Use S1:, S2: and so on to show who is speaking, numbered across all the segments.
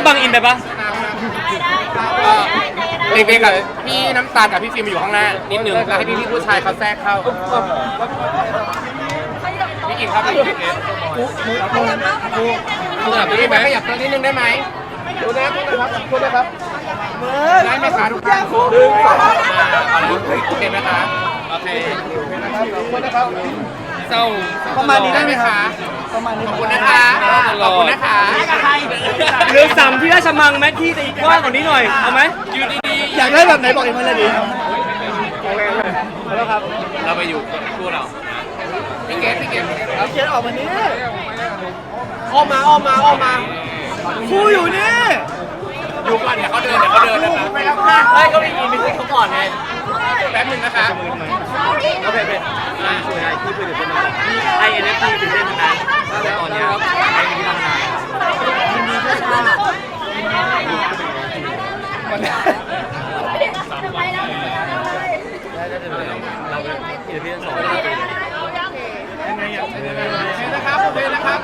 S1: บังอินไปปะ
S2: เด็กๆกับพี่น้ำตาลกับพี่ฟิล์มมาอยู่ข้างหน้านิดนึงแล้วให้พี่ผู้ชายเขาแทรกเข้าพี่กินครับพี่ไหมขยับตัวนิดนึงได้ไหมดูนะครับพูดนะครับได้ไหมคะทุกท่านโอเคไหมคะโอเคพูดนะครับเจ้าประมาณนี้ได้ไหมคะประมาณนี้ขอบคุณนะคะขอบคุณนะคะ
S1: เรือสามที่ราชมังแมทที่จะอีกกว้างกว่านี้หน่อยเอาไหม
S2: อยู่ดีๆ
S3: อยากได้แบบไหนบอกเองมาเลยดิ
S2: แล้วครับเราไปอยู่คู่เราพี่เกด
S3: เขียนออกมานี้
S2: อ้อมมา
S3: คู่อยู่นี่
S2: อยู่ก่อนเดี๋ยวเขาเดินนะครับ
S1: ไม่ก็มีมิสซิ่งเขาก่อนไง
S2: แป๊บนึงนะคะ
S1: โอเคช่วยให้ที่เพื่อนเป็นมาไอเอ็นเอฟทีตื่นเต้นมานานตอนนี้ครับไอเอ็นเอฟทีทำงานเราเป็นที่เพื่อนสอนยังไงอ่ะ
S2: นะครับโอเคนะครับ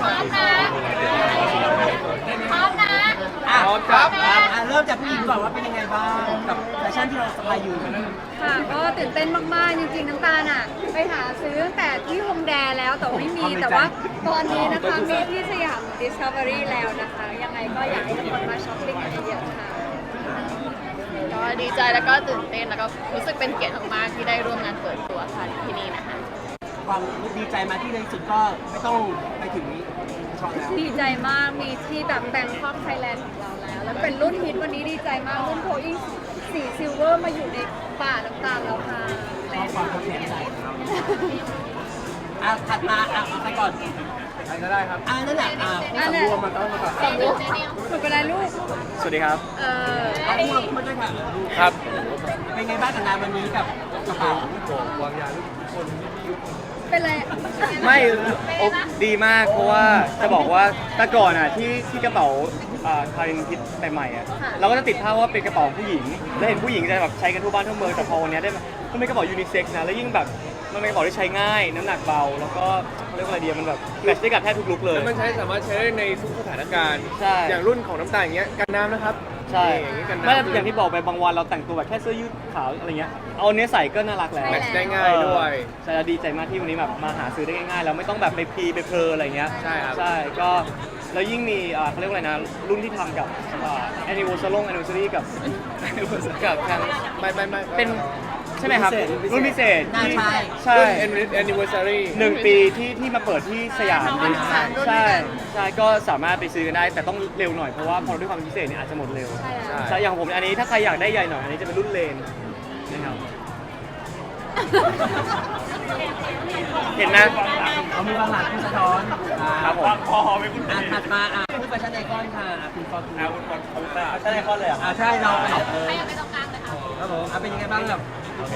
S4: พร้อมนะ
S2: ครับ
S3: เริ่มจากผู้หญิงก่อนว่าเป็นยังไงบ้างกับแฟชั่นที่เราสบายอยู่
S4: ค่ะก็ตื่นเต้นมากๆจริงๆน้ำตาลอ่ะไปหาซื้อตั้งแต่ที่ฮงแดแล้วแต่ไม่มีแต่ว่าตอนนี้นะคะมีที่สยาม Discovery แล้วนะคะยังไงก็อยากให้ทุกคนมาช้อปปิ้งกันเยอะๆค่ะ
S5: ก็ดีใจแล้วก็ตื่นเต้นแล้วก็รู้สึกเป็นเกียรติมากๆที่ได้ร่วมงานเปิดตัวค่ะที่นี่นะคะ
S3: ความดีใจมาที่ในสุดก็ไม่ต้องไปถึงช็อปแล้ว
S4: ดีใจมากมีที่แบบแบงคอกไทยแลนด์ของเราแล้วเป็นรุ่นฮิตวันนี้ดีใจมากรุ่นโพอิงสีซิลเวอร์มาอยู่ในป่าน้ำตาลแล้วค่ะ
S3: ความแข็งใจถัดมาเอาไปก่อน
S2: ใครก็ได้ครับ
S3: นั่นแหละ
S4: สำรวมมันต้องมาก่อนสำรวมหนูเป็นไรลูก
S1: สวัสดีครับ
S3: เอาพูดมาด้วยค่ะ
S1: ครับ
S3: เป็นไงบ้างกับงานวันนี้กับกระเป๋าวางยาทุกคน
S4: เป็นไร
S1: ไม่ดีมากเพราะว่าจะบอกว่าแต่ก่อนอ่ะที่กระเป๋าคารินคิดใหม่ๆอ่ะเราก็จะติดภาพว่าเป็นกระเป๋าผู้หญิงแล้วเห็นผู้หญิงจะแบบใช้กันทั่วบ้านทั่วเมืองแต่พอวันนี้ได้มามันเป็นกระเป๋ายูนิเซ็กซ์นะแล้วยิ่งแบบมันเป็นกระเป๋าที่ใช้ง่ายน้ำหนักเบาแล้วก็เขาเรียกว่าอะไรดีมันแบบแมทช์ได้กับแทบทุกลุคเลย
S2: มันสามารถใช้ได้ในทุกสถานการณ์อย่างรุ่นของน้ำตาลอย่างเงี้ยกันน้ำนะครับ
S1: ใช่ไม่อย่างที่บอกไปบางวันเราแต่งตัวแบบแค่เสื้อยืดขาวอะไรเงี้ยเอาเนี้ยใส่ก็น่ารักแล้ว
S2: แมทช์ได้ง่ายด้วย
S1: ใช่ดีใจมากที่วันนี้แบบมาหาซื้อได้ง่ายๆแล้วไม่ต้องแบบไปไปเพลอะไรเงี้ย
S2: ใช่ครับ
S1: ใช่ก็แล้วยิ่งมีเขาเรียกว่าอะไรนะรุ่นที่ทำกับanniversary กับทาง
S2: ไม่
S1: เป็นใช่ไหมครับรุ่นพิเศษ
S3: ใช่
S2: anniversary
S1: 1 ปีที่มาเปิดที่สยามใช่ก็สามารถไปซื้อกันได้แต่ต้องเร็วหน่อยเพราะว่าพอด้วยความพิเศษเนี่ยอาจจะหมดเร็วใช่อย่างผมอันนี้ถ้าใครอยากได้ใหญ่หน่อยอันนี้จะเป็นรุ่นเลนนะครับเห็นนะ
S3: เอามีบางหลักที่สะท้อน
S1: ครับผม
S3: พอไม่พูดถัดมาพูดแฟชั่นไอคอนค่ะคุณฟอร์ตูนคุณแฟชั่นไอคอนเลยใช่เรา
S5: ให้ไปตรงกลางเลยค่ะ
S3: ครับผมเป็นยังไงบ้างแบบ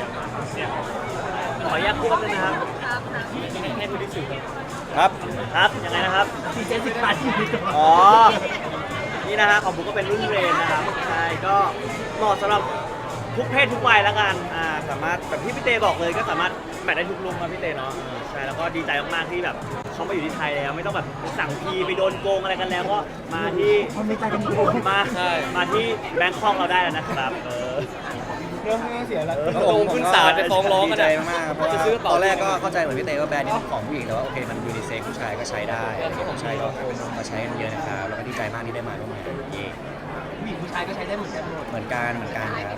S1: ขออนุญาตพูดเลยนะครับให้ผู้ที่สื่อ
S2: ครับ
S1: ยังไงนะครับ
S3: 40 บาท
S1: อ๋อนี่นะฮะของผมก็เป็นรุ่นเรนนะครับใช่ก็เหมาะสำหรับทุกเพศทุกวัยแล้วกันสามารถแบบที่พี่เตบอกเลยก็สามารถแมทได้ทุกลุคครับพี่เตเนาะใช่แล้วก็ดีใจมากๆที่แบบเขามาอยู่ที่ไทยแล้วไม่ต้องแบบสั่งพีไปโดนโกงอะไรกันแล้วก็มาที่มาที่แบงคอกเราได้แล้วนะครับ
S3: เริ่มเสียแล้ว
S1: โกงขึ้นศาลจะฟ้องร้องกัน
S6: ใจมากเพราะว่าตอนแรกก็เข้าใจเหมือนพี่เต้ว่าแบรนด์นี้เป็นของผู้หญิงแต่ว่าโอเคมันยูนิเซ็กผู้ชายก็ใช้ได้ผู้ชายก็มาใช้กันเยอะนะครับแล้วก็ดีใจมากที่ได้มาร่วมงาน
S3: ผู้หญิงผู้ชายก็ใช้ได้เหมือนกันหมด
S6: เหมือนกันครับ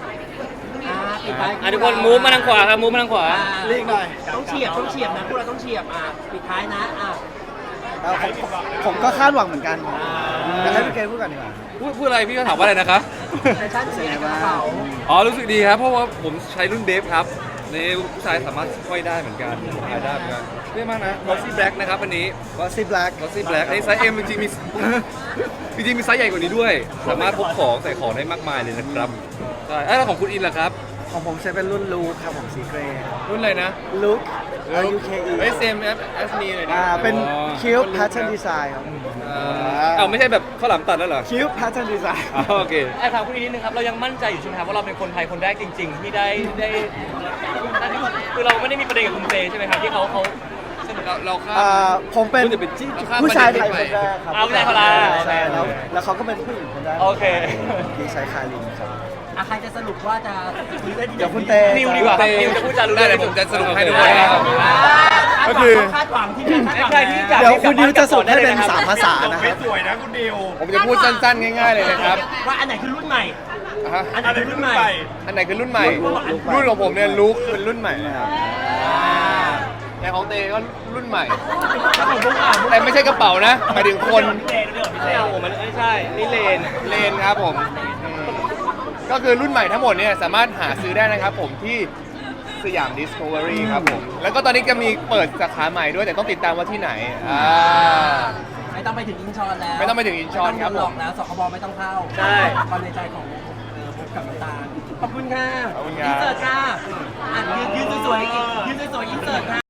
S1: ทุกคนมูฟมาทางขวาครับมูฟมาทางขวา
S3: รีบหน่อยต้องเฉียบนะพวกเราต้องเฉียบปิดท้ายนะ
S6: ผมก็คาดหวังเหมือนกันแต่ให้พี่เกณพูดกันดีกว่า
S2: พูดอะไรพี่ก็ถามว่าอะไรนะครับ
S3: แฟชั่นสีกระเป๋า
S2: รู้สึกดีครับเพราะว่าผมใช้รุ่นเดฟครับในผู้ชายสามารถห้อยได้เหมือนกันหายได้เหมือนกันเท่มากนะ Glossy Black นะครับอันนี้
S6: Glossy
S2: Black ในไซส์ M จริงๆมีไซส์ใหญ่กว่านี้ด้วย สามารถพกของใส่ของได้มากมายเลยนะครับใช่แล้วของคุณอินล่ะครับ
S6: ของผมใช้เป็นรุ่นลูคครับผมสีเกรย์
S2: รุ่นอะไรนะ
S6: ลูค UKE
S2: SM as me เลยนะ
S6: เป็น Cube Pattern Design ครับ
S2: ไม่ใช่แบบข้าวหลามตัดแล้วเหรอ
S6: Cube Pattern Design
S2: โอเค
S1: ถามคุณอินนิดนึงครับเรายังมั่นใจอยู่ใช่ไหมครับว่าเราเป็นคนไทยคนแรกจริงๆที่ได้คือเราไม่ได้มีประเด็นกับคุณเจใช่ไหมครับที่เขา
S2: เราข้าม
S7: ผมเป็น
S2: ข้าม
S7: ผู้ชายไทย
S2: ป
S7: คนแรกครับ
S1: เอาผู้ชายคนแรก
S7: ใช่แล้วเขาก็เป็นผู้หญิงคนแรก
S1: โอเค
S7: ที่ใช้คารินครับ
S3: ใครจะสรุปว่าจะคุยได้ที่ไหน
S7: เดี๋ยวคุณเต
S1: นิวดีกว่าครับนิวจะพูดจารู้
S2: ได้
S1: เรื่อง
S2: เดี๋ยวผมจะสรุปให้ดู
S1: โอเค
S2: นะครับ
S7: ก็คือ
S3: คาดหวังที่คาดหวัง
S1: ใครที่อยาก
S7: เดี๋ยวคุณดิวจะสรุปให้เป็น3ภาษานะครับ
S2: ผมจะพูดสั้นๆ ง่ายๆเลยนะครับ
S3: ว่าอันไหนคือรุ่นใหม่
S2: ฮะ
S3: อันไหนคือรุ่นใหม่
S2: อันไหนคือรุ่นใหม่ รุ่นของผมเนี่ยลุคเป็นรุ่นใหม่นะครับแต่ของเตก็รุ่นใหม่ แต่ไม่ใช่กระเป๋านะหมายถึงคน
S1: ไม่เอาผมมันไม่ใช่นี่เลน
S2: เลนครับผมก็คือรุ่นใหม่ทั้งหมดเนี่ยสามารถหาซื้อได้นะครับผมที่สยาม Discovery ครับผม แล้วก็ตอนนี้จะมีเปิดสาขาใหม่ด้วยแต่ต้องติดตามว่าที่ไหน
S3: ไม่ต้องไปถึงอินชอนแล้ว
S2: ไม่ต้องไปถึงอินชอนครับ
S3: ไม่ต้องโดนหลอกแล้วสคบไม่ต้องเข้า
S1: ใช่
S3: ความในใจของพบกับน้ำตาลขอบคุณค่ะ
S2: ขอบคุณครับ
S3: อินเสิร์ตค่ะยืนสวยๆอินเสิร์ตค่ะ